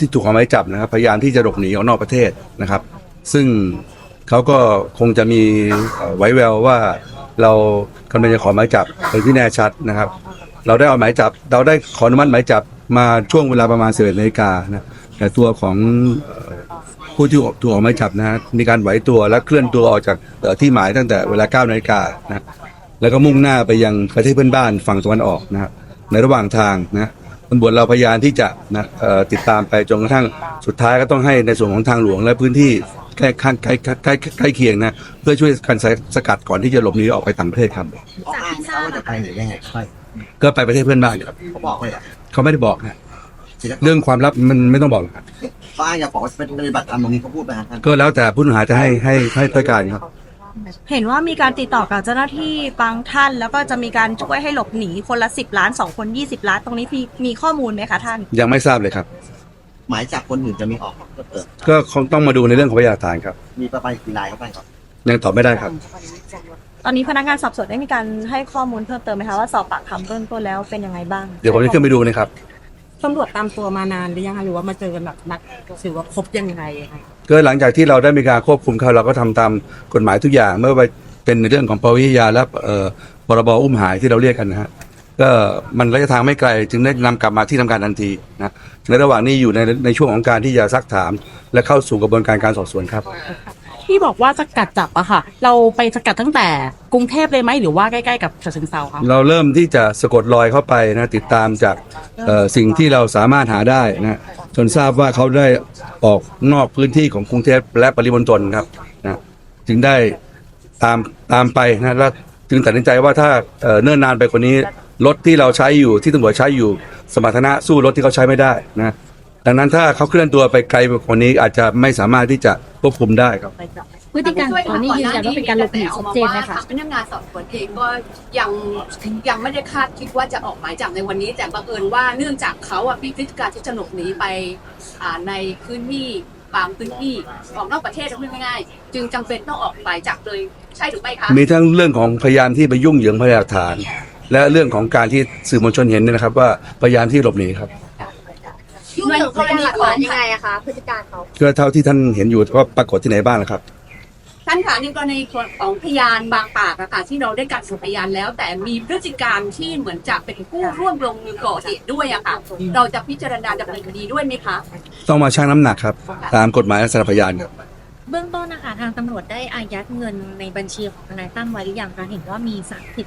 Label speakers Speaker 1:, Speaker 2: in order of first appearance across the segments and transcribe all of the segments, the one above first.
Speaker 1: ที่ถูกออกหมายจับนะครับพยายามที่จะหลบหนีออกนอกประเทศนะครับ ซึ่งเขาก็คงจะมีไว้แววว่าเรากำลังจะขอหมายจับเป็นที่แน่ชัดนะครับ เราได้ขออนุมัติหมายจับมาช่วงเวลาประมาณ11 นาฬิกานะแต่ตัวของผู้ที่ถูกออกหมายจับนะฮะมีการไหวตัวและเคลื่อนตัวออกจากที่หมายตั้งแต่เวลา 9 นาฬิกานะแล้วก็มุ่งหน้าไปยังประเทศเพื่อนบ้านฝั่งตะวันออกนะครับในระหว่างทางนะตำรวจเราพยายามที่จะติดตามไปจนกระทั่งสุดท้ายก็ต้องให้ในส่วนของทางหลวงและพื้นที่ใกล้เคียงนะเพื่อช่วยกันสกัดก่อนที่จะหลบหนีออกไปต่างประเทศครับ
Speaker 2: อ้างเขาว่าจะไปหรือยังไงใช่
Speaker 1: ก็ไปประเทศเพื่อนบ้านครับ
Speaker 2: เขาบอกเลยอ่ะ
Speaker 1: เขาไม่ได้บอกนะเรื่องความลับมันไม่ต้องบอกครับ
Speaker 2: เขาอ้างอยากบอกว่าเป็นปฏิบัติธรรมตรงนี้เขาพูดไปฮะท่าน
Speaker 1: ก็แล้วแต่ผู้ต้องหาจะให้การครับ
Speaker 3: เห็นว่ามีการติดต่อกับเจ้าหน้าที่บางท่าน แล้วก็จะมีการช่วยให้หลบหนีคนละ10 ล้าน2 คน20 ล้านตรงนี้มีข้อมูลไหมคะท่าน
Speaker 1: ยังไม่ทราบเลยครับ
Speaker 2: หมายจับคนอื่นจะมีออกเปิด
Speaker 1: ก็คงต้องมาดูในเรื่องของพยานหลักฐานครับ
Speaker 2: มีประมาณกี่รายเข้าไปครับ
Speaker 1: ยังตอบไม่ได้ครับ
Speaker 3: ตอนนี้พนักงานสอบสวนได้มีการให้ข้อมูลเพิ่มเติมไหมคะว่าสอบปากคำเบื้องต้นแล้วเป็นยังไงบ้าง
Speaker 1: เดี๋ยวผมจะขึ้นไปดูนะครับ
Speaker 4: ตำรวจตามตัวมานานหรือยังคะหรือว่ามาเจอกันแบบนัดถือว่าครบยังไงคะ
Speaker 1: ก็หลังจากที่เราได้มีการควบคุมเขาเราก็ทำตามกฎหมายทุกอย่างไม่ว่าเป็นในเรื่องของปวิทยาและพรบอุ้มหายที่เราเรียกกันนะฮะก็มันระยะทางไม่ไกลจึงได้นำกลับมาที่ทำการทันทีนะในระหว่างนี้อยู่ในช่วงของการที่จะซักถาม และเข้าสู่กระบวนการสอบสวนครับ
Speaker 4: ที่บอกว่าสกัดจับอะค่ะ เราไปสกัดตั้งแต่กรุงเทพเลยไหมหรือว่าใกล้ๆกับฉะเชิงเทราคะ
Speaker 1: เราเริ่มที่จะสะกดรอยเข้าไปนะติดตามจากสิ่งที่เราสามารถหาได้นะจนทราบว่าเขาได้ออกนอกพื้นที่ของกรุงเทพและปริมณฑลครับนะจึงได้ตามไปนะแล้วจึงตัดสินใจว่าถ้าเนิ่นนานไปกว่านี้รถที่เราใช้อยู่ที่ตำรวจใช้อยู่สมรรถนะสู้รถที่เขาใช้ไม่ได้นะดังนั้นถ้าเขาเคลื่อนตัวไปไกลกว่านี้อาจจะไม่สามารถที่จะควบคุมได้ครับ
Speaker 5: พฤติการตอนนี้ยืนยันว่าเป็นการหลบหนีชัดเจนไหมคะ
Speaker 6: พนักงานสอบสวนเองก็ยังไม่ได้คาดคิดว่าจะออกหมายจับในวันนี้แต่บังเอิญว่าเนื่องจากเขามีพฤติการที่จะหลบหนีไปในพื้นที่บางพื้นที่ออกนอกประเทศพูดง่ายๆจึงจำเป็นต้องออกหมายจับเลยใช่หรือไม่คะ
Speaker 1: มีทั้งเรื่องของพยานที่ไปยุ่งเหยิงพยานหลักฐาน และเรื่องของการที่สื่อมวลชนเห็นเนี่ยนะครับว่าพยานที่หลบหนีครับ
Speaker 6: ยุ่งเหยิงกรณีของยังไงอะคะพฤติการเขา
Speaker 1: ก็เท่าที่ท่านเห็นอยู่ว่าปรากฏที่ไหนบ้างนะครับ
Speaker 6: ท่านคะในกรณีของพยานบางปากอะค่ะที่เราได้การสืบพยานแล้ว แต่มีพฤติการที่เหมือนจะเป็นผู้ร่วมลงมือก่อเหตุด้วยอะค่ะเราจะพิจารณาดำเนินคดีด้วยไหมคะ
Speaker 1: ต้องมาชั่งน้ำหนักครับตามกฎหมายและสารพยานครับ
Speaker 5: เบื้องต้นนะคะทางตำรวจได้อายัดเงินในบัญชีของทนายตั้มไว้หรือยังคะเห็นว่ามี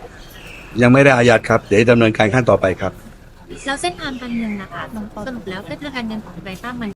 Speaker 5: 30
Speaker 1: ยังไม่ได้อายัดครับเดี๋ยวดำเนินการขั้นต่อไปครับ
Speaker 5: แล้วเส้นทางการเงินนะคะสรุปแล้วเส้นทางการเงินของทนายตั้มมัน